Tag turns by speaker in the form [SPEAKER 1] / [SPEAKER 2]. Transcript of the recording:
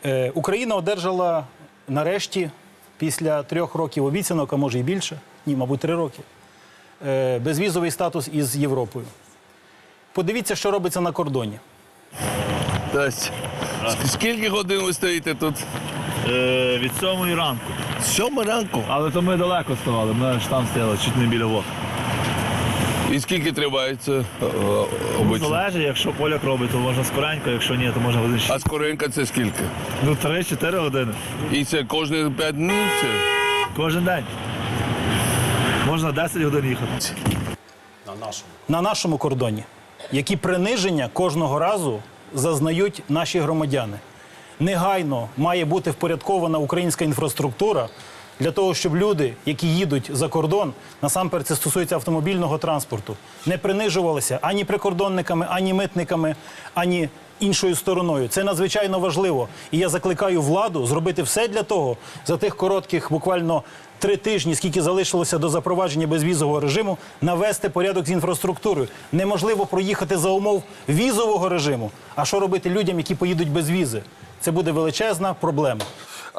[SPEAKER 1] Україна одержала нарешті, після 3 років обіцянок, а може і більше, мабуть, 3 роки, безвізовий статус із Європою. Подивіться, що робиться на кордоні.
[SPEAKER 2] Скільки годин ви стоїте тут?
[SPEAKER 3] Від 7 ранку.
[SPEAKER 2] 7 ранку.
[SPEAKER 3] Але то ми далеко ставали, ми ж там стояли, чуть не біля вод.
[SPEAKER 2] І скільки триває це обично?
[SPEAKER 3] Залежить, якщо поляк робить, то можна скоренько, якщо ні, то можна годин 6.
[SPEAKER 2] А скоренько це скільки?
[SPEAKER 3] 3-4 години.
[SPEAKER 2] І це кожні 5 днів? Це?
[SPEAKER 3] Кожен день. Можна 10 годин їхати.
[SPEAKER 1] На нашому кордоні, які приниження кожного разу зазнають наші громадяни. Негайно має бути впорядкована українська інфраструктура для того, щоб люди, які їдуть за кордон, насамперед це стосується автомобільного транспорту, не принижувалися ані прикордонниками, ані митниками, ані іншою стороною. Це надзвичайно важливо. І я закликаю владу зробити все для того, за тих коротких, буквально 3 тижні, скільки залишилося до запровадження безвізового режиму, навести порядок з інфраструктурою. Неможливо проїхати за умов візового режиму. А що робити людям, які поїдуть без візи? Це буде величезна проблема.